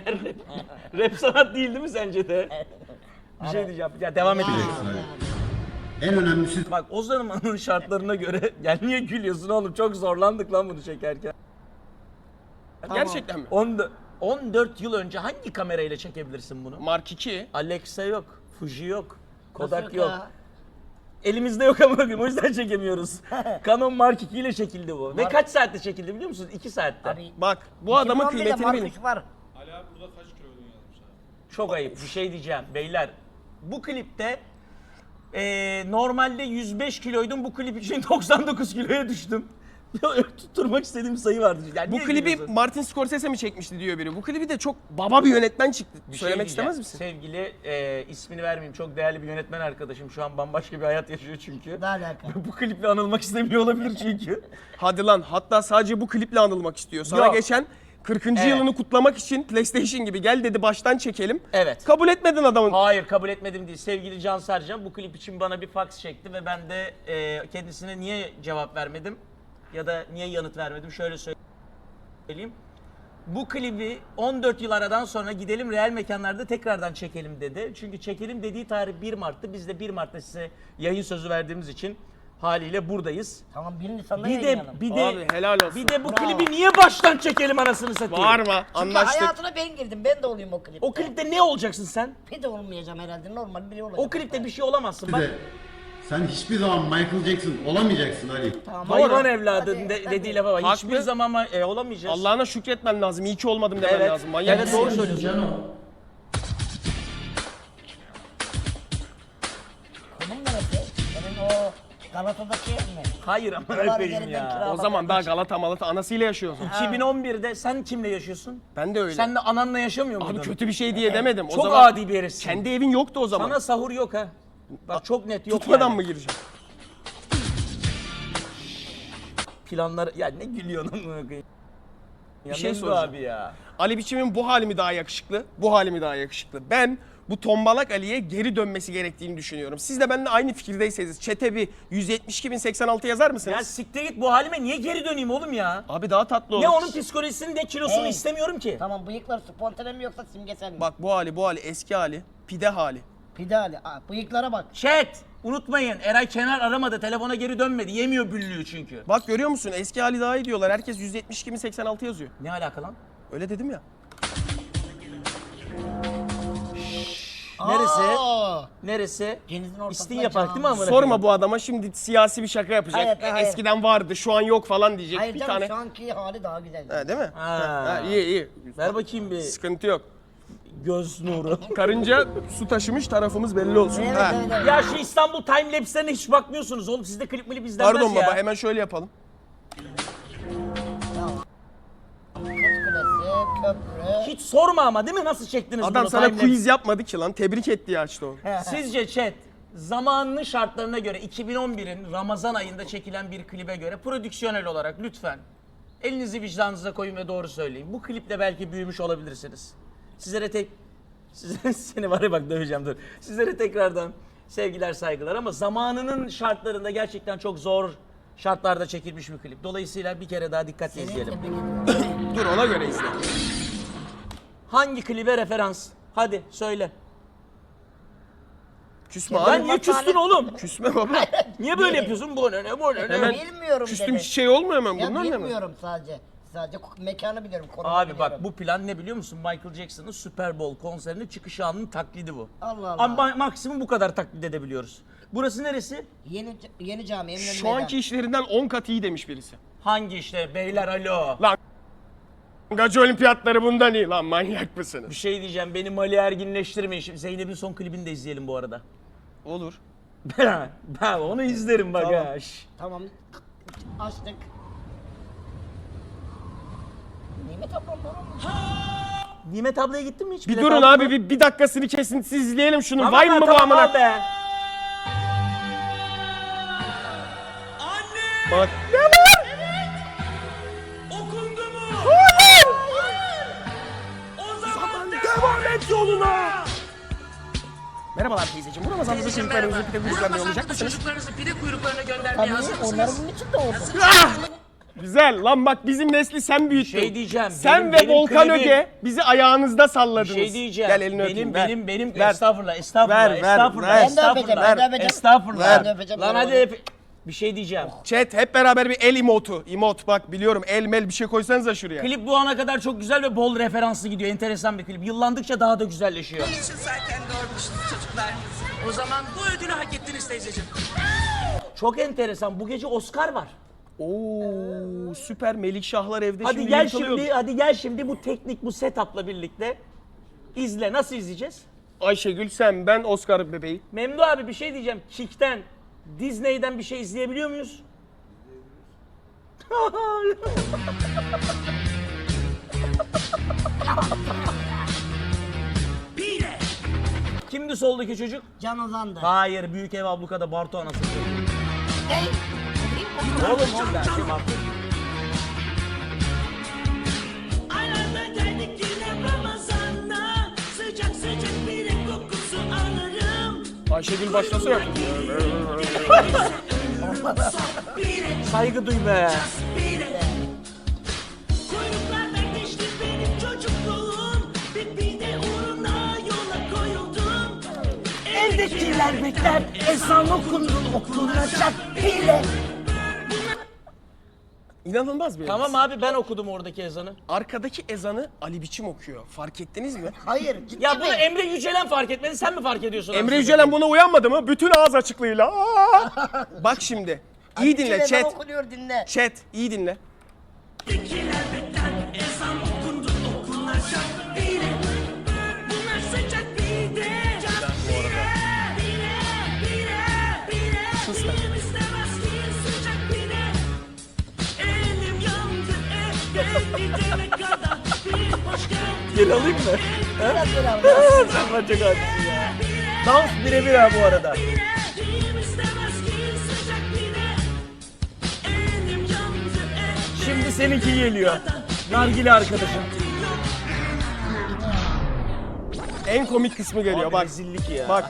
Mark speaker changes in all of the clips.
Speaker 1: Rap sanat değil mi sence de? Bir şey diyeceğim. Ya devam edelim.
Speaker 2: En önemlisi
Speaker 1: Bak o zamanın şartlarına göre ya niye gülüyorsun oğlum? Çok zorlandık lan bunu çekerken.
Speaker 3: Gerçekten mi?
Speaker 1: 14 yıl önce hangi kamerayla çekebilirsin bunu?
Speaker 3: Mark 2.
Speaker 1: Alexa yok, Fuji yok, Kodak
Speaker 4: Nasıl
Speaker 1: yok.
Speaker 4: ya?
Speaker 1: Elimizde yok ama bakın o yüzden çekemiyoruz. Canon Mark 2 ile çekildi bu. Ve kaç saatte çekildi biliyor musunuz? 2 saatte.
Speaker 4: Abi,
Speaker 3: Bak bu adamın
Speaker 4: 2011'de
Speaker 3: kıymetini
Speaker 4: Mark
Speaker 3: bilin.
Speaker 4: 3 var.
Speaker 1: Çok ayıp bir şey diyeceğim beyler. Bu klipte normalde 105 kiloydum. Bu klip için 99 kiloya düştüm. Tutturmak istediğim sayı vardı. Yani
Speaker 3: Bu
Speaker 1: niye
Speaker 3: klibi
Speaker 1: gülüyorsun?
Speaker 3: Martin Scorsese mi çekmişti diyor biri. Bu klibi de çok baba bir yönetmen çıktı.
Speaker 1: Bir şey
Speaker 3: Söylemek
Speaker 1: diyeceğim.
Speaker 3: istemez misin?
Speaker 1: Sevgili ismini vermeyeyim çok değerli bir yönetmen arkadaşım. Şu an bambaşka bir hayat yaşıyor çünkü.
Speaker 4: Ne alaka?
Speaker 1: Bu kliple anılmak istemiyor olabilir çünkü.
Speaker 3: Hadi lan, hatta sadece bu kliple anılmak istiyor. Sana
Speaker 1: Yok.
Speaker 3: geçen 40.
Speaker 1: Evet.
Speaker 3: yılını kutlamak için PlayStation gibi gel dedi baştan çekelim.
Speaker 1: Evet.
Speaker 3: Kabul etmedin adamın.
Speaker 1: Hayır kabul etmedim değil. Sevgili Can Sercan bu klip için bana bir fax çekti ve ben de kendisine niye cevap vermedim ya da niye yanıt vermedim şöyle söyleyeyim. Bu klibi 14 yıl aradan sonra gidelim real mekanlarda tekrardan çekelim dedi. Çünkü çekelim dediği tarih 1 Mart'tı. Biz de 1 Mart'ta size yayın sözü verdiğimiz için haliyle buradayız.
Speaker 4: Tamam 1 Nisan'da
Speaker 1: Bir de
Speaker 4: yayınlayalım.
Speaker 1: bir de
Speaker 3: Abi helal olsun.
Speaker 1: bir de bu
Speaker 4: Bravo.
Speaker 1: klibi niye baştan çekelim anasını satayım?
Speaker 3: Bağırma,
Speaker 4: Çünkü
Speaker 3: anlaştık.
Speaker 4: hayatına ben girdim. Ben de olayım o klipte.
Speaker 1: O klipte ne olacaksın sen?
Speaker 4: Pide olmayacağım herhalde. Normal biri olacağım.
Speaker 1: O klipte bir şey olamazsın. Bak
Speaker 2: de sen hiçbir zaman Michael Jackson olamayacaksın Ali.
Speaker 4: Tamam.
Speaker 1: hayvan
Speaker 4: Doğru.
Speaker 1: evladı
Speaker 4: Hadi,
Speaker 1: dediği
Speaker 4: hadi.
Speaker 1: lafa bak.
Speaker 3: Haklı.
Speaker 1: Hiçbir zaman olamayacağız.
Speaker 3: Allah'ına şükretmen lazım. İyi ki olmadım demen
Speaker 1: Evet.
Speaker 3: lazım. Manyak
Speaker 1: Evet,
Speaker 3: mısın?
Speaker 1: doğru söylüyorsun.
Speaker 2: Cano.
Speaker 4: Konum neresi? Senin o Galata'daki ev mi?
Speaker 1: Hayır ama
Speaker 4: Dolar
Speaker 1: öpeyim
Speaker 4: üzerinden
Speaker 1: ya.
Speaker 4: kira-
Speaker 3: O zaman daha Galata Malata anasıyla yaşıyorsun.
Speaker 1: 2011'de sen kimle yaşıyorsun?
Speaker 3: Ben de öyle.
Speaker 1: Sen de ananla yaşamıyor muydun?
Speaker 3: Abi kötü bir şey diye demedim. O
Speaker 1: Çok
Speaker 3: zaman
Speaker 1: adi bir herifsin.
Speaker 3: kendi evin yoktu o zaman.
Speaker 1: Sana sahur yok ha. Bak çok net yok
Speaker 3: Tutmadan
Speaker 1: yani.
Speaker 3: mı gireceğim?
Speaker 1: Planlar ya ne gülüyorsun amına koyayım. Ya
Speaker 3: şey
Speaker 1: Memdu
Speaker 3: soracağım.
Speaker 1: abi ya.
Speaker 3: Ali Biçim'in bu hali mi daha yakışıklı? Bu hali mi daha yakışıklı? Ben bu tombalak Ali'ye geri dönmesi gerektiğini düşünüyorum. Siz de benimle aynı fikirdeyseniz çete bir 172.086 yazar mısınız?
Speaker 1: Ya siktir git bu halime niye geri döneyim oğlum ya?
Speaker 3: Abi daha tatlı olur.
Speaker 1: Ne onun psikolojisini ne kilosunu
Speaker 4: Hey.
Speaker 1: istemiyorum ki.
Speaker 4: Tamam bıyıklar spontane mi yoksa simgesel mi?
Speaker 3: Bak bu hali eski hali. Pide hali.
Speaker 4: Pide Ali. Aa, bıyıklara bak.
Speaker 1: Chat unutmayın Eray Kenar aramadı telefona geri dönmedi yemiyor büllüğü çünkü.
Speaker 3: Bak görüyor musun? Eski hali daha iyi diyorlar. Herkes 172.086 yazıyor.
Speaker 1: Ne alaka lan?
Speaker 3: Öyle dedim ya.
Speaker 1: Neresi?
Speaker 4: Aa!
Speaker 1: Neresi?
Speaker 4: Denizin ortasına
Speaker 1: İstin yapak değil mi amına
Speaker 3: Sorma
Speaker 1: koyayım?
Speaker 3: bu adama şimdi siyasi bir şaka yapacak.
Speaker 4: Hayır, hayır.
Speaker 3: Eskiden vardı şu an yok falan diyecek
Speaker 4: Hayır
Speaker 3: bir
Speaker 4: canım
Speaker 3: tane.
Speaker 4: şu anki hali daha güzel.
Speaker 3: Ha, değil mi?
Speaker 1: Ha.
Speaker 3: İyi.
Speaker 1: Ver bakayım bir
Speaker 3: Sıkıntı yok.
Speaker 1: göz nuru.
Speaker 3: Karınca su taşımış tarafımız belli olsun.
Speaker 4: Evet,
Speaker 3: Ha.
Speaker 4: evet, evet.
Speaker 1: Ya şu İstanbul timelapse'lerine hiç bakmıyorsunuz oğlum. Sizde klip milip izlenmez
Speaker 3: Pardon
Speaker 1: ya.
Speaker 3: baba hemen şöyle yapalım.
Speaker 4: Kız Kulesi, köprü.
Speaker 1: Hiç sorma ama değil mi nasıl çektiniz
Speaker 3: Adam
Speaker 1: bunu
Speaker 3: sana
Speaker 1: timelapse?
Speaker 3: quiz yapmadı ki lan. Tebrik etti ya işte o.
Speaker 1: Sizce chat zamanının şartlarına göre 2011'in Ramazan ayında çekilen bir klibe göre prodüksiyonel olarak lütfen elinizi vicdanınıza koyun ve doğru söyleyin. Bu kliple belki büyümüş olabilirsiniz. Seni var ya bak döveceğim dur. Sizlere tekrardan sevgiler saygılar ama zamanının şartlarında gerçekten çok zor şartlarda çekilmiş bir klip. Dolayısıyla bir kere daha dikkatle izleyelim.
Speaker 4: Tebrik ediyorum.
Speaker 3: Dur ona göre izle.
Speaker 1: Hangi klibe referans? Hadi söyle.
Speaker 3: Küsme
Speaker 1: Ben
Speaker 3: abi.
Speaker 1: niye küstün oğlum?
Speaker 3: Küsme baba.
Speaker 1: Niye böyle yapıyorsun? Bu ne bu ne?
Speaker 3: Hemen
Speaker 4: Bilmiyorum
Speaker 3: küstüm
Speaker 4: dedi.
Speaker 3: şey olmuyor hemen
Speaker 4: Ya
Speaker 3: bundan ne mi?
Speaker 4: bilmiyorum sadece. Sadece mekanı biliyorum. konumu
Speaker 1: Abi
Speaker 4: biliyorum.
Speaker 1: bak bu plan ne biliyor musun? Michael Jackson'ın Super Bowl konserinin çıkış anının taklidi bu.
Speaker 4: Allah Allah.
Speaker 1: Ama maksimum bu kadar taklit edebiliyoruz. Burası neresi?
Speaker 4: Yeni cami, Eminönü
Speaker 3: Şu anki işlerinden 10 kat iyi demiş birisi.
Speaker 1: Hangi işte beyler alo.
Speaker 3: Gacı olimpiyatları bundan iyi lan manyak mısınız?
Speaker 1: Bir şey diyeceğim beni Mali erginleştirmeyin. Şimdi Zeynep'in son klibini de izleyelim bu arada.
Speaker 3: Olur.
Speaker 1: Ben onu izlerim bak
Speaker 3: Tamam.
Speaker 1: ha. Şş.
Speaker 4: Tamam. Açtık. Nimet ablam var mı?
Speaker 1: Nimet ablaya gittin mi hiç?
Speaker 3: Bir
Speaker 1: Bilet
Speaker 3: durun
Speaker 1: aldın
Speaker 3: abi
Speaker 1: mı?
Speaker 3: bir dakikasını kesintisiz izleyelim şunu.
Speaker 1: Tamam
Speaker 3: Vay
Speaker 1: lan,
Speaker 3: mı bu
Speaker 1: tamam
Speaker 3: amına?
Speaker 1: al be.
Speaker 3: Bak.
Speaker 1: Okundu mu?
Speaker 3: Hayır.
Speaker 1: O zaman
Speaker 3: Devam et yoluna. Merhabalar teyzeciğim. Bu Ramazan'da çocuklarınızı pide kuyruklarına yollayacak mısınız?
Speaker 1: Çocuklarınızı pide kuyruklarına göndermeye
Speaker 4: Tabii
Speaker 1: hazır mısınız?
Speaker 4: onların bunun için de oldu.
Speaker 3: Ah! Güzel. Lan bak bizim nesli sen büyüttün.
Speaker 1: şey diyeceğim,
Speaker 3: Sen
Speaker 1: benim
Speaker 3: ve Volkan
Speaker 1: klibim-
Speaker 3: Öge bizi ayağınızda salladınız.
Speaker 1: Bir şey diyeceğim.
Speaker 3: Gel elini öpeyim.
Speaker 1: benim
Speaker 3: Ver.
Speaker 1: estağfurullah,
Speaker 3: Ver, ver,
Speaker 1: estağfurullah,
Speaker 3: ver.
Speaker 1: estağfurullah,
Speaker 4: Ben de öpeceğim, ben de öpeceğim.
Speaker 1: estağfurullah.
Speaker 4: Ben de öpeceğim.
Speaker 1: Lan hadi bir şey diyeceğim.
Speaker 3: Chat hep beraber bir el emotu. Emot bak biliyorum el mel bir şey koysanıza şuraya.
Speaker 1: Klip bu ana kadar çok güzel ve bol referanslı gidiyor. Enteresan bir klip. Yıllandıkça daha da güzelleşiyor.
Speaker 5: için zaten doğurmuşsunuz çocuklarınızı. O zaman bu ödülü hak ettiniz teyzeciğim.
Speaker 1: Çok enteresan. Bu gece Oscar var.
Speaker 3: Oo süper Melikşahlar evde
Speaker 1: Hadi
Speaker 3: şimdi
Speaker 1: gel
Speaker 3: yırtılıyordu.
Speaker 1: şimdi, hadi gel şimdi bu teknik, bu setup'la birlikte izle. Nasıl izleyeceğiz?
Speaker 3: Ayşegül sen ben Oscar bebeği.
Speaker 1: Memdu abi bir şey diyeceğim. Kick'ten, Disney'den bir şey izleyebiliyor muyuz?
Speaker 5: Pire.
Speaker 1: Kimdi soldaki çocuk?
Speaker 4: Can Ozan'dı.
Speaker 1: Hayır, Büyük Ev Abluka'da Bartu anası. Oğlum ben şey Bartu.
Speaker 5: Aylarla geldik yine Ramazan'da. Sıcak sıcak pire kokusu alırım.
Speaker 3: Ayşegül başlasın ya.
Speaker 5: Pire,
Speaker 1: Saygı duy be.
Speaker 5: pire. Kuyruklardan geçti benim çocukluğum. Bir pide uğruna yola koyuldum.
Speaker 4: Evdekiler bekler, ezan okundu, okunacak bile.
Speaker 3: İnanılmaz bir
Speaker 1: Tamam abi ben okudum oradaki ezanı.
Speaker 3: Arkadaki ezanı Ali Biçim okuyor. Fark ettiniz mi?
Speaker 4: Hayır, ciddi
Speaker 1: Ya
Speaker 4: mi?
Speaker 1: bunu Emre Yücelen fark etmedi, sen mi fark ediyorsun?
Speaker 3: Emre
Speaker 1: anasını
Speaker 3: Yücelen
Speaker 1: satayım?
Speaker 3: buna uyanmadı mı? Bütün ağız açıklığıyla. Aa! Bak şimdi. İyi dinle
Speaker 4: Ezan
Speaker 3: chat.
Speaker 4: okunuyor, dinle.
Speaker 3: Chat iyi dinle.
Speaker 5: Evdekiler bekler ezan okundu okunacak pire. Bunlar sıcak pide.
Speaker 3: Sus lan.
Speaker 5: Elim istemez ki sıcak pide. Elim yandı gidene kadar. Bir hoş geldin.
Speaker 1: Geri alayım mı?
Speaker 4: Biraz biraz.
Speaker 1: Sen bana çok haklısın ya. Dans birebir ha bu arada.
Speaker 5: Elim istemez ki sıcak pide. Elim yandı
Speaker 1: Şimdi seninki geliyor. Nargile arkadaşım.
Speaker 3: En komik kısmı geliyor
Speaker 1: Abi
Speaker 3: bak.
Speaker 1: rezillik ya.
Speaker 3: Bak.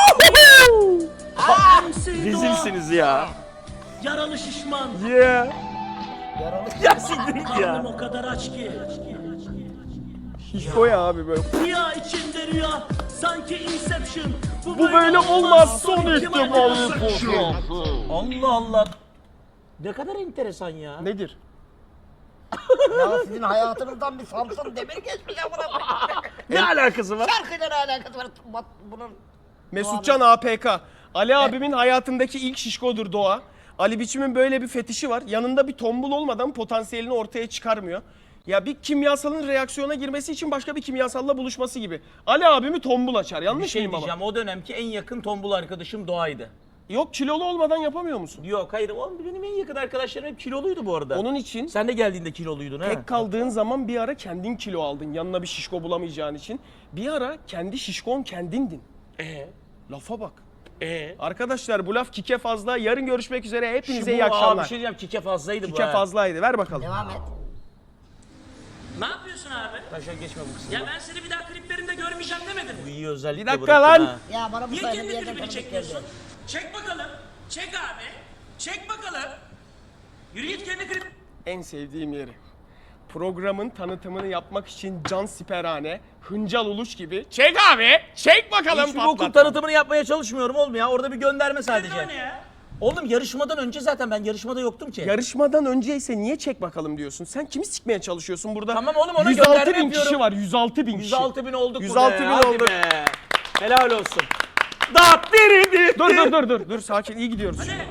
Speaker 1: Rezilsiniz ya.
Speaker 5: Yaralı şişman.
Speaker 3: Yeah.
Speaker 1: Ya siktir git
Speaker 5: Karnım
Speaker 1: ya.
Speaker 5: o kadar aç ki.
Speaker 3: Şişko ya abi böyle.
Speaker 5: Rüya içinde rüya. Sanki Inception.
Speaker 3: Bu böyle olmaz son ihtimal.
Speaker 1: Allah Allah. Ne kadar enteresan ya.
Speaker 3: Nedir?
Speaker 4: Ya sizin hayatınızdan bir Samsun Demir geçmiş amına koyayım.
Speaker 1: Ne alakası var?
Speaker 4: Şarkıyla ne alakası var? Bunun
Speaker 3: Mesutcan APK. Ali abimin hayatındaki ilk şişkodur Doğa. Ali Biçim'in böyle bir fetişi var. Yanında bir tombul olmadan potansiyelini ortaya çıkarmıyor. Ya bir kimyasalın reaksiyona girmesi için başka bir kimyasalla buluşması gibi. Ali abimi tombul açar.
Speaker 1: Bir
Speaker 3: Yanlış
Speaker 1: şey
Speaker 3: mıyım baba?
Speaker 1: diyeceğim. O dönemki en yakın tombul arkadaşım Doğa'ydı.
Speaker 3: Yok kilolu olmadan yapamıyor musun?
Speaker 1: Yok hayır. Oğlum benim en yakın arkadaşlarım hep kiloluydu bu arada.
Speaker 3: Onun için
Speaker 1: Sen de geldiğinde kiloluydun ha.
Speaker 3: tek kaldığın zaman bir ara kendin kilo aldın. Yanına bir şişko bulamayacağın için. Bir ara kendi şişkon kendindin. Lafa bak. Arkadaşlar bu laf kike fazla. Yarın görüşmek üzere. Hepinize iyi
Speaker 1: Abi
Speaker 3: akşamlar.
Speaker 1: bir şey diyeceğim. Kike fazlaydı bu
Speaker 3: Kike
Speaker 1: ha.
Speaker 3: fazlaydı. Ver bakalım.
Speaker 4: devam et.
Speaker 5: Ne yapıyorsun abi?
Speaker 1: Taşa geçme bu kısmı.
Speaker 5: Ya ben seni bir daha kliplerinde görmeyeceğim demedim
Speaker 1: Bu
Speaker 5: mi?
Speaker 1: iyi özellikle
Speaker 3: Bir dakika
Speaker 1: bırakın
Speaker 3: lan.
Speaker 1: ha.
Speaker 4: Ya bana bu
Speaker 5: Niye
Speaker 4: sayede bir
Speaker 5: kendi
Speaker 4: yerden
Speaker 5: klibini
Speaker 4: tanıdık
Speaker 5: çekmiyorsun?
Speaker 4: geldi.
Speaker 5: Çek bakalım. Çek abi. Çek bakalım. Yürü git kendi klip.
Speaker 3: En sevdiğim yeri. Programın tanıtımını yapmak için can siperhane, hıncal uluş gibi. Çek abi, çek bakalım
Speaker 1: Hiçbir okul
Speaker 3: patlat.
Speaker 1: tanıtımını yapmaya çalışmıyorum oğlum ya. Orada bir gönderme
Speaker 5: O
Speaker 1: sadece.
Speaker 5: ne ya?
Speaker 1: Oğlum yarışmadan önce zaten ben yarışmada yoktum ki.
Speaker 3: Yarışmadan önceyse niye çek bakalım diyorsun? Sen kimi sikmeye çalışıyorsun burada?
Speaker 1: Tamam oğlum, ona
Speaker 3: 106
Speaker 1: gönderme
Speaker 3: bin kişi
Speaker 1: yapıyorum.
Speaker 3: var, 106 bin kişi.
Speaker 1: 106 bin olduk
Speaker 3: 106
Speaker 1: burada
Speaker 3: bin
Speaker 1: ya. Hadi
Speaker 3: olduk.
Speaker 1: be. Helal olsun. Dat diridi.
Speaker 3: Dur sakin iyi gidiyoruz.
Speaker 5: Pire,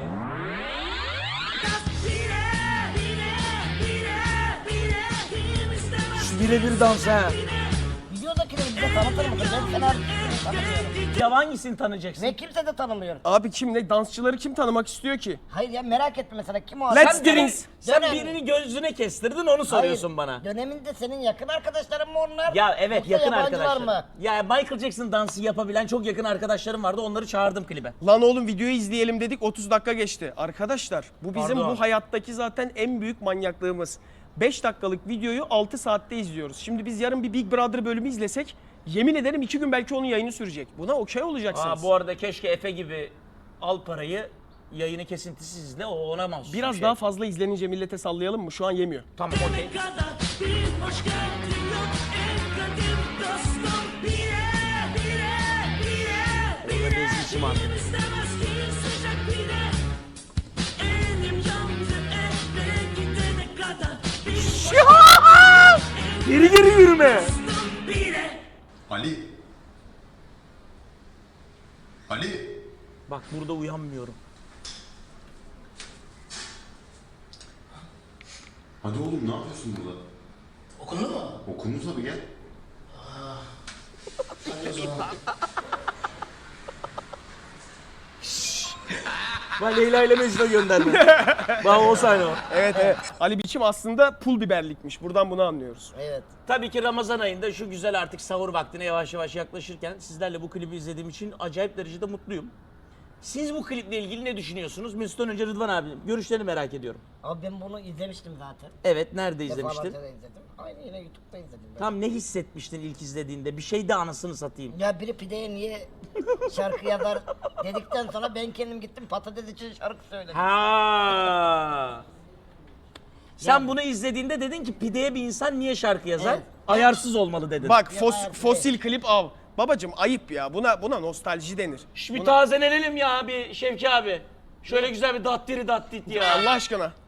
Speaker 5: kim istemez?
Speaker 1: Şu birebir dans ha.
Speaker 4: Videodakileri bize tanıtır mısın? Ben seni artık tanımıyorum.
Speaker 1: Ya hangisini tanıyacaksın?
Speaker 4: Ve kimse de tanımıyor.
Speaker 3: Abi kim ne? Dansçıları kim tanımak istiyor ki?
Speaker 4: Hayır ya merak etme mesela kim o
Speaker 3: Let's
Speaker 4: adam?
Speaker 3: drinks.
Speaker 1: Sen
Speaker 4: Dönem-
Speaker 1: birini gözüne kestirdin onu soruyorsun
Speaker 4: Hayır,
Speaker 1: bana.
Speaker 4: Döneminde senin yakın arkadaşların mı onlar?
Speaker 1: Ya evet
Speaker 4: Yoksa
Speaker 1: yakın
Speaker 4: yabancılar
Speaker 1: arkadaşlar.
Speaker 4: mı?
Speaker 1: Ya Michael Jackson dansı yapabilen çok yakın arkadaşlarım vardı. Onları çağırdım klibe.
Speaker 3: Lan oğlum videoyu izleyelim dedik 30 dakika geçti. Arkadaşlar bu bizim
Speaker 1: Pardon.
Speaker 3: bu hayattaki zaten en büyük manyaklığımız. 5 dakikalık videoyu 6 saatte izliyoruz. Şimdi biz yarın bir Big Brother bölümü izlesek yemin ederim 2 gün belki onun yayını sürecek. Buna okey olacaksınız.
Speaker 1: Bu arada keşke Efe gibi al parayı yayını kesintisiz izle, o ona mahsus. bir
Speaker 3: Biraz
Speaker 1: şey.
Speaker 3: daha fazla izlenince millete sallayalım mı? Şu an yemiyor.
Speaker 1: Tamam, okey.
Speaker 5: kadar bir hoş geldin yok en kadim dostum.
Speaker 1: Orada bezmişim artık.
Speaker 5: İstemez ki sıcak pide. Elim yandı eve gidene kadar.
Speaker 1: Geri geri yürüme.
Speaker 2: Ali. Ali.
Speaker 1: Bak burada uyanmıyorum.
Speaker 2: Hadi oğlum ne yapıyorsun burada?
Speaker 4: Okundu mu?
Speaker 2: Okundu tabii gel.
Speaker 1: Ben Leyla ile Mecnun'a gönderdim. Bak o sahne o.
Speaker 3: Evet evet. Ali Biçim aslında pul biberlikmiş. Buradan bunu anlıyoruz.
Speaker 4: Evet.
Speaker 1: Tabii ki Ramazan ayında şu güzel artık sahur vaktine yavaş yavaş yaklaşırken sizlerle bu klibi izlediğim için acayip derecede mutluyum. Siz bu kliple ilgili ne düşünüyorsunuz? Mesut'tan önce Rıdvan abinin görüşlerini merak ediyorum.
Speaker 4: Abi ben bunu izlemiştim zaten.
Speaker 1: Evet, nerede izlemiştin?
Speaker 4: Defalarca da izledim. Aynı yine YouTube'da izledim ben.
Speaker 1: Tam ne hissetmiştin ilk izlediğinde? Bir şey de anasını satayım.
Speaker 4: Ya biri pideye niye şarkı yazar dedikten sonra ben kendim gittim patates için şarkı söyledim.
Speaker 1: Ha. Sen
Speaker 4: Yani-
Speaker 1: bunu izlediğinde dedin ki pideye bir insan niye şarkı yazar?
Speaker 4: Evet.
Speaker 1: Ayarsız olmalı dedin.
Speaker 3: Bak
Speaker 4: Ya hayır,
Speaker 3: fosil klip av. Babacım ayıp ya. Buna nostalji denir.
Speaker 1: bir tazelenelim ya bir Şevki abi. Şöyle güzel bir dattiri dattit ya.
Speaker 3: Allah aşkına.